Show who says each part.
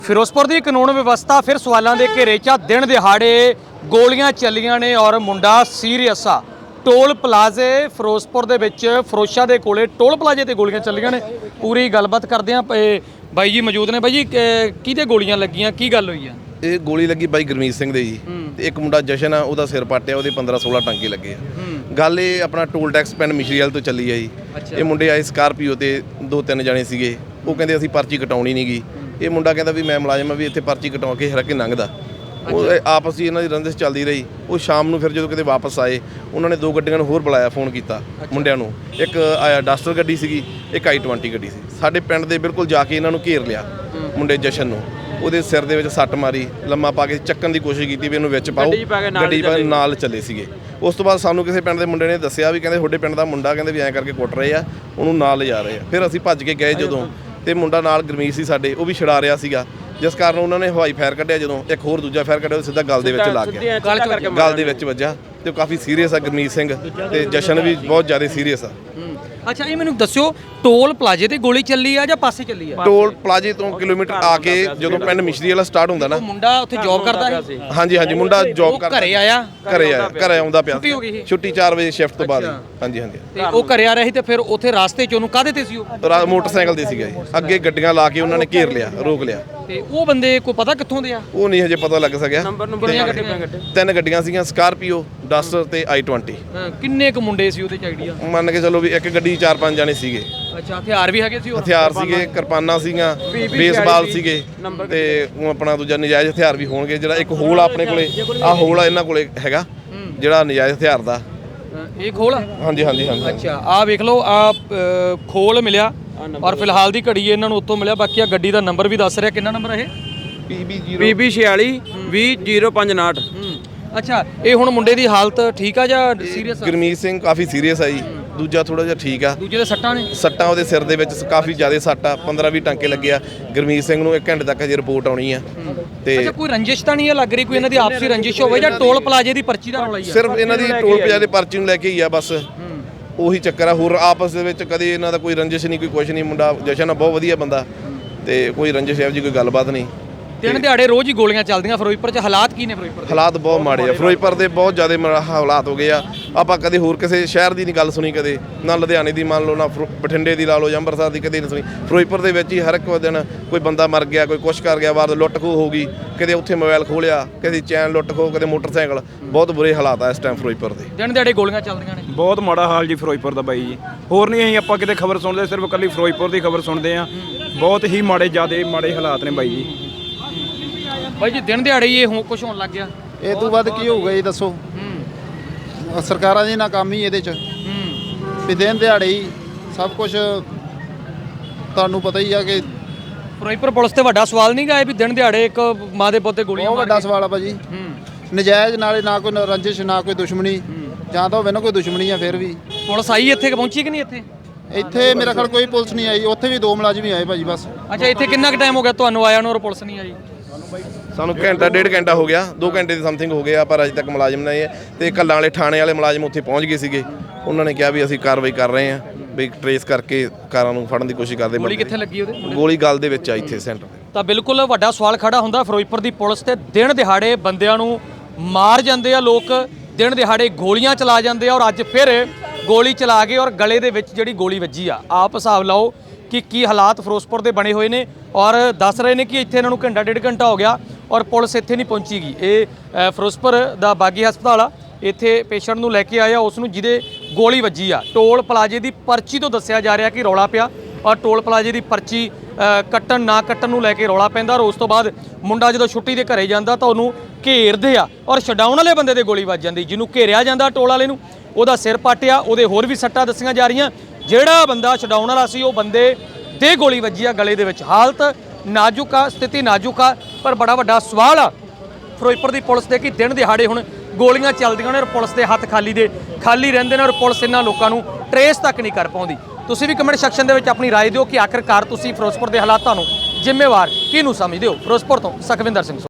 Speaker 1: ਫਿਰੋਜ਼ਪੁਰ ਦੀ ਕਾਨੂੰਨ ਵਿਵਸਥਾ ਫਿਰ ਸਵਾਲਾਂ ਦੇ ਘੇਰੇ 'ਚ। ਦਿਨ ਦਿਹਾੜੇ ਗੋਲੀਆਂ ਚੱਲੀਆਂ ਨੇ ਔਰ ਮੁੰਡਾ ਸੀਰੀਅਸ ਆ। ਟੋਲ ਪਲਾਜ਼ੇ ਫਿਰੋਜ਼ਪੁਰ ਦੇ ਵਿੱਚ ਫਰੋਸ਼ਾ ਦੇ ਕੋਲੇ ਟੋਲ ਪਲਾਜ਼ੇ ਤੇ ਗੋਲੀਆਂ ਚੱਲੀਆਂ ਨੇ। ਪੂਰੀ ਗੱਲਬਾਤ ਕਰਦੇ ਆ। ਬਾਈ ਜੀ ਮੌਜੂਦ ਨੇ। ਬਾਈ ਜੀ ਕਿਹਦੇ ਗੋਲੀਆਂ ਲੱਗੀਆਂ, ਕੀ ਗੱਲ ਹੋਈ ਆ?
Speaker 2: ਇਹ ਗੋਲੀ ਲੱਗੀ ਬਾਈ ਗੁਰਮੀਤ ਸਿੰਘ ਦੇ ਜੀ, ਤੇ ਇੱਕ ਮੁੰਡਾ ਜਸ਼ਨ ਆ, ਉਹਦਾ ਸਿਰ ਪਾਟਿਆ, ਉਹਦੇ 15-16 ਟਾਂਕੇ ਲੱਗੇ ਆ। ਗੱਲ ਇਹ ਆਪਣਾ ਟੋਲ ਟੈਕਸ ਪਿੰਡ ਮਿਸ਼ਰੀਵਾਲ ਤੋਂ ਚੱਲੀ ਆ ਜੀ। ਇਹ ਮੁੰਡੇ ਆਏ ਸਕਾਰਪੀਓ ਤੇ 2-3 ਜਣੇ ਸੀਗੇ। ਉਹ ਕਹਿੰਦੇ ਅਸੀਂ ਪਰਚੀ ਕਟਾਉਣੀ ਨਹੀਂ ਗੀ। ਇਹ ਮੁੰਡਾ ਕਹਿੰਦਾ ਵੀ ਮੈਂ ਮੁਲਾਜ਼ਮ ਆ, ਵੀ ਇੱਥੇ ਪਰਚੀ ਕਟਾ ਕੇ ਹਰ ਕੇ ਲੰਘਦਾ। ਉਹ ਆਪਸ ਹੀ ਇਹਨਾਂ ਦੀ ਰੰਜਿਸ਼ ਚੱਲਦੀ ਰਹੀ। ਉਹ ਸ਼ਾਮ ਨੂੰ ਫਿਰ ਜਦੋਂ ਕਿਤੇ ਵਾਪਸ ਆਏ, ਉਹਨਾਂ ਨੇ 2 ਗੱਡੀਆਂ ਨੂੰ ਹੋਰ ਬੁਲਾਇਆ, ਫੋਨ ਕੀਤਾ ਮੁੰਡਿਆਂ ਨੂੰ। ਇੱਕ ਆਇਆ ਡਸਟਰ ਗੱਡੀ ਸੀਗੀ, ਇੱਕ I-20 ਗੱਡੀ ਸੀ। ਸਾਡੇ ਪਿੰਡ ਦੇ ਬਿਲਕੁਲ ਜਾ ਕੇ ਇਹਨਾਂ ਨੂੰ ਘੇਰ ਲਿਆ ਮੁੰਡੇ ਜਸ਼ਨ ਨੂੰ। ਉਹਦੇ ਸਿਰ ਦੇ ਵਿੱਚ ਸੱਟ ਮਾਰੀ, ਲੰਮਾ ਪਾ ਕੇ ਚੱਕਣ ਦੀ ਕੋਸ਼ਿਸ਼ ਕੀਤੀ ਵੀ ਇਹਨੂੰ ਵਿੱਚ ਪਾਓ। ਗੱਡੀ ਪਾ ਨਾਲ ਚੱਲੇ ਸੀਗੇ। ਉਸ ਤੋਂ ਬਾਅਦ ਸਾਨੂੰ ਕਿਸੇ ਪਿੰਡ ਦੇ ਮੁੰਡੇ ਨੇ ਦੱਸਿਆ ਵੀ ਕਹਿੰਦੇ ਤੁਹਾਡੇ ਪਿੰਡ ਦਾ ਮੁੰਡਾ ਕਹਿੰਦੇ ਵੀ ਐਂ ਕਰਕੇ ਕੁੱਟ ਰਹੇ ਆ, ਉਹਨੂੰ ਨਾਲ ਲਿਜਾ ਰਹੇ ਆ। ਫਿਰ ਅਸੀਂ ਭੱਜ ਕੇ ਗਏ ਜਦੋਂ, ਤੇ ਮੁੰਡਾ ਨਾਲ ਗੁਰਮੀਤ ਸੀ ਸਾਡੇ, ਉਹ ਵੀ ਛੁਡਾ ਰਿਹਾ ਸੀਗਾ। ਜਿਸ ਕਾਰਨ ਉਹਨਾਂ ਨੇ ਹਵਾਈ ਫਾਇਰ ਕੱਢਿਆ। ਜਦੋਂ ਇੱਕ ਹੋਰ ਦੂਜਾ ਫਾਇਰ ਕੱਢਿਆ, ਉਹ ਸਿੱਧਾ ਗਲ ਦੇ ਵਿੱਚ ਲੱਗ ਗਿਆ, ਗਲ ਦੇ ਵਿੱਚ ਵੱਜਾ। ਤੇ ਉਹ ਕਾਫੀ ਸੀਰੀਅਸ ਆ ਗੁਰਮੀਤ ਸਿੰਘ, ਤੇ ਜਸ਼ਨ ਵੀ ਬਹੁਤ ਜ਼ਿਆਦਾ ਸੀਰੀਅਸ ਆ।
Speaker 1: ਅੱਛਾ, ਇਹ ਮੈਨੂੰ ਦੱਸਿਓ, ਟੋਲ ਪਲਾਜ਼ੇ ਤੇ ਗੋਲੀ ਚੱਲੀ ਆ ਜਾਂ ਪਾਸੇ ਚੱਲੀ ਆ?
Speaker 2: ਟੋਲ ਪਲਾਜ਼ੇ ਤੋਂ ਕਿਲੋਮੀਟਰ ਆ ਕੇ ਜਦੋਂ ਪਿੰਡ ਮਿਸ਼ਰੀਵਾਲਾ ਸਟਾਰਟ ਹੁੰਦਾ ਨਾ।
Speaker 1: ਮੁੰਡਾ ਉੱਥੇ ਜੌਬ ਕਰਦਾ ਹੈ?
Speaker 2: ਹਾਂਜੀ ਹਾਂਜੀ, ਮੁੰਡਾ ਜੌਬ ਕਰਦਾ।
Speaker 1: ਘਰੇ ਆਇਆ?
Speaker 2: ਘਰੇ ਆਉਂਦਾ ਪਿਆ।
Speaker 1: ਛੁੱਟੀ ਹੋ ਗਈ?
Speaker 2: ਛੁੱਟੀ 4 ਵਜੇ ਸ਼ਿਫਟ ਤੋਂ ਬਾਅਦ। ਹਾਂਜੀ ਹਾਂਜੀ।
Speaker 1: ਤੇ ਉਹ ਘਰੇ ਆ ਰਿਹਾ ਸੀ, ਤੇ ਫਿਰ ਉੱਥੇ ਰਾਸਤੇ 'ਚ ਉਹਨੂੰ ਕਾਹਦੇ ਤੇ ਸੀ? ਉਹ
Speaker 2: ਮੋਟਰਸਾਈਕਲ ਤੇ ਸੀਗਾ ਜੀ। ਅੱਗੇ ਗੱਡੀਆਂ ਲਾ ਕੇ ਉਹਨਾਂ ਨੇ ਘੇਰ ਲਿਆ, ਰੋਕ ਲਿਆ।
Speaker 1: ਤੇ ਉਹ ਬੰਦੇ ਕੋਈ ਪਤਾ ਕਿੱਥੋਂ ਦੇ ਆ?
Speaker 2: ਉਹ ਨਹੀਂ ਹਜੇ ਪਤਾ ਲੱਗ ਸਕਿਆ।
Speaker 1: ਕਿੰਨੀਆਂ ਗੱਡੀਆਂ?
Speaker 2: 3 ਗੱਡੀਆਂ ਸੀਗੀਆਂ, ਸਕਾਰਪੀਓ, ਡਸਟਰ ਤੇ I-20।
Speaker 1: ਕਿੰਨੇ ਕੁ ਮੁੰਡੇ ਸੀ ਉਹਦੇ 'ਚ ਆਈਡੀਆ?
Speaker 2: ਮੰਨ ਕੇ ਚਲੋ ਵੀ ਇੱਕ ਗੱਡੀ 4-5 ਜਾਣੇ ਸੀਗੇ।
Speaker 1: ਅੱਛਾ, ਹਥਿਆਰ ਵੀ ਹੈਗੇ ਸੀ?
Speaker 2: ਹਥਿਆਰ ਸੀਗੇ, ਕਿਰਪਾਨਾਂ ਸੀਗੀਆਂ, ਬੇਸਬਾਲ ਸੀਗੇ, ਤੇ ਆਪਣਾ ਦੂਜਾ ਨਜਾਇਜ਼ ਹਥਿਆਰ ਵੀ ਹੋਣਗੇ। ਜਿਹੜਾ ਇੱਕ ਹੋਲ ਆ ਆਪਣੇ ਕੋਲੇ, ਆਹ ਹੋਲ ਆ ਇਹਨਾਂ ਕੋਲੇ ਹੈਗਾ, ਜਿਹੜਾ ਨਜਾਇਜ਼ ਹਥਿਆਰ ਦਾ।
Speaker 1: ਇਹ ਖੋਲ? ਹਾਂਜੀ ਹਾਂਜੀ ਹਾਂਜੀ। ਅੱਛਾ, ਆਹ ਵੇਖ ਲਓ, ਆਹ ਖੋਲ ਮਿਲਿਆ ਔਰ ਫਿਲਹਾਲ ਦੀ ਘੜੀ ਇਹਨਾਂ ਨੂੰ ਉੱਥੋਂ ਮਿਲਿਆ। ਬਾਕੀ ਆ ਗੱਡੀ ਦਾ ਨੰਬਰ ਵੀ ਦੱਸ ਰਿਹਾ। ਕਿੰਨਾ ਨੰਬਰ ਇਹ?
Speaker 3: PB46 200559।
Speaker 1: ਅੱਛਾ, ਇਹ ਹੁਣ ਮੁੰਡੇ ਦੀ ਹਾਲਤ ਠੀਕ ਆ ਜਾਂ ਸੀਰੀਅਸ ਆ?
Speaker 2: ਗੁਰਮੀਤ ਸਿੰਘ ਕਾਫੀ ਸੀਰੀਅਸ ਆ ਜੀ, ਦੂਜਾ ਥੋੜਾ ਜਿਹਾ ਠੀਕ ਆ।
Speaker 1: ਦੂਜੇ ਦੇ ਸੱਟਾਂ ਨੇ?
Speaker 2: ਸੱਟਾਂ ਉਹਦੇ ਸਿਰ ਦੇ ਵਿੱਚ ਕਾਫੀ ਜ਼ਿਆਦਾ ਸੱਟ ਆ। 15-20 ਟਾਂਕੇ ਲੱਗੇ ਆ। ਗੁਰਮੀਤ ਸਿੰਘ ਨੂੰ 1 ਘੰਟੇ ਤੱਕ ਅਜੇ ਰਿਪੋਰਟ ਆਉਣੀ ਆ। ਤੇ
Speaker 1: ਅੱਛਾ, ਕੋਈ ਰੰਜਿਸ਼ ਤਾਂ ਨਹੀਂ ਹੈ ਲੱਗ ਰਹੀ? ਕੋਈ ਇਹਨਾਂ ਦੀ ਆਪਸੀ ਰੰਜਿਸ਼ ਹੋਵੇ ਜਾਂ ਟੋਲ ਪਲਾਜ਼ੇ ਦੀ ਪਰਚੀ ਦਾ ਰੌਲਾ ਹੀ ਆ?
Speaker 2: ਸਿਰਫ ਇਹਨਾਂ ਦੀ ਟੋਲ ਪਲਾਜ਼ੇ ਦੀ ਪਰਚੀ ਨੂੰ ਲੈ ਕੇ ਹੀ ਆ ਬਸ। ਉਹੀ ਚੱਕਰ ਆ, ਹੋਰ ਆਪਸ ਦੇ ਵਿੱਚ ਕਦੇ ਇਹਨਾਂ ਦਾ ਕੋਈ ਰੰਜਿਸ਼ ਨਹੀਂ, ਕੋਈ ਕੁਛ ਨਹੀਂ। ਮੁੰਡਾ ਜਸ਼ਨ ਆ, ਬਹੁਤ ਵਧੀਆ ਬੰਦਾ, ਤੇ ਕੋਈ ਰੰਜਿਸ਼ ਇਹੋ ਜਿਹੀ ਕੋਈ ਗੱਲਬਾਤ ਨਹੀਂ।
Speaker 1: ਦਿਨ ਦਿਹਾੜੇ ਰੋਜ਼ ਹੀ ਗੋਲੀਆਂ ਚੱਲਦੀਆਂ ਫਿਰੋਜ਼ਪੁਰ 'ਚ। ਹਾਲਾਤ ਕੀ ਨੇ ਫਿਰੋਜ਼ਪੁਰ ਦੇ?
Speaker 2: ਹਾਲਾਤ ਬਹੁਤ ਮਾੜੇ ਆ ਫਿਰੋਜ਼ਪੁਰ ਦੇ, ਬਹੁਤ ਜ਼ਿਆਦਾ ਹਾਲਾਤ ਹੋ ਗਏ ਆ। ਆਪਾਂ ਕਦੇ ਹੋਰ ਕਿਸੇ ਸ਼ਹਿਰ ਦੀ ਨਹੀਂ ਗੱਲ ਸੁਣੀ, ਕਦੇ ਨਾ ਲੁਧਿਆਣੇ ਦੀ ਮੰਨ ਲਓ, ਨਾ ਬਠਿੰਡੇ ਦੀ ਲਾ ਲਓ, ਜਾਂ ਅੰਮ੍ਰਿਤਸਰ ਦੀ ਕਦੇ ਨਹੀਂ ਸੁਣੀ। ਫਿਰੋਜ਼ਪੁਰ ਦੇ ਵਿੱਚ ਹੀ ਹਰ ਇੱਕ ਦਿਨ ਕੋਈ ਬੰਦਾ ਮਰ ਗਿਆ, ਕੋਈ ਕੁਛ ਕਰ ਗਿਆ, ਬਾਅਦ ਲੁੱਟ ਖੋਹ ਹੋ ਗਈ। ਕਦੇ ਉੱਥੇ ਮੋਬਾਈਲ ਖੋਹ ਲਿਆ, ਕਦੇ ਚੈਨ ਲੁੱਟ ਖੋਹ, ਕਦੇ ਮੋਟਰਸਾਈਕਲ। ਬਹੁਤ ਬੁਰੇ ਹਾਲਾਤ ਆ ਇਸ ਟਾਈਮ ਫਿਰੋਜ਼ਪੁਰ ਦੇ।
Speaker 1: ਦਿਨ ਦਿਹਾੜੇ ਗੋਲੀਆਂ ਚੱਲਦੀਆਂ ਨੇ,
Speaker 3: ਬਹੁਤ ਮਾੜਾ ਹਾਲ ਜੀ ਫਿਰੋਜ਼ਪੁਰ ਦਾ ਬਾਈ ਜੀ। ਹੋਰ ਨਹੀਂ ਅਸੀਂ ਆਪਾਂ ਕਿਤੇ ਖਬਰ ਸੁਣਦੇ, ਸਿਰਫ ਇਕੱਲੀ ਫਿਰੋਜ਼ਪੁਰ ਦੀ ਖਬਰ ਸੁਣਦੇ ਆ। ਬਹੁਤ ਹੀ ਜ਼ਿਆਦੇ ਮਾੜੇ ਹਾਲਾਤ ਨੇ ਬਾਈ ਜੀ।
Speaker 1: ਬਾਈ ਜੀ, ਦਿਨ ਦਿਹਾੜੇ ਹੀ ਇਹ ਕੁਝ ਹੋਣ ਲੱਗ ਗਿਆ।
Speaker 4: ਇਹ ਤੋਂ ਵੱਧ ਕੀ ਹੋਊਗਾ ਜੀ ਦੱਸੋ? ਸਰਕਾਰਾਂ ਦੀ ਨਾਕਾਮੀ ਇਹਦੇ 'ਚ। ਵੀ ਦਿਨ ਦਿਹਾੜੇ ਹੀ ਸਭ ਕੁਝ ਤੁਹਾਨੂੰ ਪਤਾ ਹੀ ਆ ਕਿ
Speaker 1: ਫਿਰੋਜ਼ਪੁਰ ਪੁਲਿਸ ਤੇ ਵੱਡਾ ਸਵਾਲ ਨਹੀਂ ਗਾ ਵੀ ਦਿਨ ਦਿਹਾੜੇ ਇੱਕ ਮਾਂ ਦੇ ਪੁੱਤ ਤੇ ਗੋਲੀਆਂ
Speaker 4: ਬਹੁਤ ਵੱਡਾ ਸਵਾਲ ਆ ਭਾਜੀ। ਨਜਾਇਜ਼ ਨਾਲੇ ਨਾ ਕੋਈ ਰੰਜਿਸ਼, ਨਾ ਕੋਈ ਦੁਸ਼ਮਣੀ, ਜਾਂ ਤਾਂ ਹੋਵੇ ਨਾ ਕੋਈ ਦੁਸ਼ਮਣੀ ਆ। ਫਿਰ ਵੀ
Speaker 1: ਪੁਲਿਸ ਆਈ ਇੱਥੇ ਕਿ ਪਹੁੰਚੀ ਕਿ ਨਹੀਂ?
Speaker 4: ਇੱਥੇ ਮੇਰਾ ਖਿਆਲ ਕੋਈ ਪੁਲਿਸ ਨਹੀਂ ਆਈ। ਉੱਥੇ ਵੀ 2 ਮੁਲਾਜ਼ਮ ਹੀ ਆਏ ਭਾਜੀ ਬਸ।
Speaker 1: ਅੱਛਾ, ਇੱਥੇ ਕਿੰਨਾ ਕੁ ਟਾਈਮ ਹੋ ਗਿਆ ਤੁਹਾਨੂੰ ਆਇਆ ਨੂੰ ਔਰ ਪੁਲਿਸ ਨਹੀਂ ਆਈ?
Speaker 2: ਸਾਨੂੰ ਘੰਟਾ 1.5 ਘੰਟਾ ਹੋ ਗਿਆ, 2 ਘੰਟੇ ਦੀ ਸਮਥਿੰਗ ਹੋ ਗਿਆ, ਪਰ ਅਜੇ ਤੱਕ ਮੁਲਾਜ਼ਮ ਨਹੀਂ ਆਏ। ਤੇ ਕੱਲਾਂ ਵਾਲੇ ਥਾਣੇ ਵਾਲੇ ਮੁਲਾਜ਼ਮ ਉੱਥੇ ਪਹੁੰਚ ਗਏ ਸੀਗੇ। ਉਹਨਾਂ ਨੇ ਕਿਹਾ ਵੀ ਅਸੀਂ ਕਾਰਵਾਈ ਕਰ ਰਹੇ ਹਾਂ, ਵੀ ਟਰੇਸ ਕਰਕੇ ਕਾਰਾਂ ਨੂੰ ਫੜਨ ਦੀ ਕੋਸ਼ਿਸ਼ ਕਰਦੇ।
Speaker 1: ਗੋਲੀ ਕਿੱਥੇ ਲੱਗੀ ਉਹਦੇ?
Speaker 2: ਗੋਲੀ ਗਲ ਦੇ ਵਿੱਚ ਆ, ਇੱਥੇ ਸੈਂਟਰ।
Speaker 1: ਤਾਂ ਬਿਲਕੁਲ ਵੱਡਾ ਸਵਾਲ ਖੜਾ ਹੁੰਦਾ ਫਿਰੋਜ਼ਪੁਰ ਦੀ ਪੁਲਿਸ ਤੇ। ਦਿਨ ਦਿਹਾੜੇ ਬੰਦਿਆਂ ਨੂੰ ਮਾਰ ਜਾਂਦੇ ਆ ਲੋਕ, ਦਿਨ ਦਿਹਾੜੇ ਗੋਲੀਆਂ ਚਲਾ ਜਾਂਦੇ ਆ, ਔਰ ਅੱਜ ਫਿਰ ਗੋਲੀ ਚਲਾ ਕੇ ਔਰ ਗਲੇ ਦੇ ਵਿੱਚ ਜਿਹੜੀ ਗੋਲੀ ਵੱਜੀ ਆ। ਆਪ ਹਿਸਾਬ ਲਾਓ ਕਿ ਕੀ ਹਾਲਾਤ ਫਿਰੋਜ਼ਪੁਰ ਦੇ ਬਣੇ ਹੋਏ ਨੇ। ਔਰ ਦੱਸ ਰਹੇ ਨੇ ਕਿ ਇੱਥੇ ਇਹਨਾਂ ਨੂੰ ਘੰਟਾ 1.5 ਘੰਟਾ ਹੋ ਗਿਆ ਔਰ ਪੁਲਿਸ ਇੱਥੇ ਨਹੀਂ ਪਹੁੰਚੀਗੀ। ਇਹ ਫਿਰੋਜ਼ਪੁਰ ਦਾ ਬਾਗੀ ਹਸਪਤਾਲ ਆ। ਇੱਥੇ ਪੇਸ਼ੈਂਟ ਨੂੰ ਲੈ ਕੇ ਆਇਆ, ਉਸ ਨੂੰ ਜਿਹਦੇ ਗੋਲੀ ਵੱਜੀ ਆ। ਟੋਲ ਪਲਾਜ਼ੇ ਦੀ ਪਰਚੀ ਤੋਂ ਦੱਸਿਆ ਜਾ ਰਿਹਾ ਕਿ ਰੌਲਾ ਪਿਆ, ਔਰ ਟੋਲ ਪਲਾਜ਼ੇ ਦੀ ਪਰਚੀ ਕੱਟਣ ਨਾ ਕੱਟਣ ਨੂੰ ਲੈ ਕੇ ਰੌਲਾ ਪੈਂਦਾ। ਔਰ ਉਸ ਤੋਂ ਬਾਅਦ ਮੁੰਡਾ ਜਦੋਂ ਛੁੱਟੀ ਦੇ ਘਰੇ ਜਾਂਦਾ ਤਾਂ ਉਹਨੂੰ ਘੇਰਦੇ ਆ, ਔਰ ਛਡਾਉਣ ਵਾਲੇ ਬੰਦੇ ਦੇ ਗੋਲੀ ਵੱਜ ਜਾਂਦੀ। ਜਿਹਨੂੰ ਘੇਰਿਆ ਜਾਂਦਾ ਟੋਲ ਵਾਲੇ ਨੂੰ, ਉਹਦਾ ਸਿਰ ਪਾਟਿਆ, ਉਹਦੇ ਹੋਰ ਵੀ ਸੱਟਾਂ ਦੱਸੀਆਂ ਜਾ ਰਹੀਆਂ। ਜਿਹੜਾ ਬੰਦਾ ਛਡਾਉਣ ਵਾਲਾ ਸੀ, ਉਹ ਬੰਦੇ ਦੇ ਗੋਲੀ ਵੱਜੀ ਆ ਗਲੇ ਦੇ ਵਿੱਚ। ਹਾਲਤ ਨਾਜ਼ੁਕ ਆ, ਸਥਿਤੀ ਨਾਜ਼ੁਕ ਆ, ਪਰ ਬੜਾ ਵੱਡਾ ਸਵਾਲ ਆ ਫਿਰੋਜ਼ਪੁਰ ਦੀ ਪੁਲਿਸ ਦੇ ਕਿ ਦਿਨ ਦਿਹਾੜੇ ਹੁਣ ਗੋਲੀਆਂ ਚੱਲਦੀਆਂ ਨੇ ਔਰ ਪੁਲਿਸ ਦੇ ਹੱਥ ਖਾਲੀ ਰਹਿੰਦੇ ਨੇ, ਔਰ ਪੁਲਿਸ ਇਹਨਾਂ ਲੋਕਾਂ ਨੂੰ ਟਰੇਸ ਤੱਕ ਨਹੀਂ ਕਰ ਪਾਉਂਦੀ। ਤੁਸੀਂ ਵੀ ਕਮੈਂਟ ਸੈਕਸ਼ਨ ਦੇ ਵਿੱਚ ਆਪਣੀ ਰਾਏ ਦਿਓ ਕਿ ਆਖਿਰਕਾਰ ਤੁਸੀਂ ਫਿਰੋਜ਼ਪੁਰ ਦੇ ਹਾਲਾਤਾਂ ਨੂੰ ਜ਼ਿੰਮੇਵਾਰ ਕਿਹਨੂੰ ਸਮਝਦੇ ਹੋ। ਫਿਰੋਜ਼ਪੁਰ ਤੋਂ ਸੁਖਵਿੰਦਰ ਸਿੰਘ।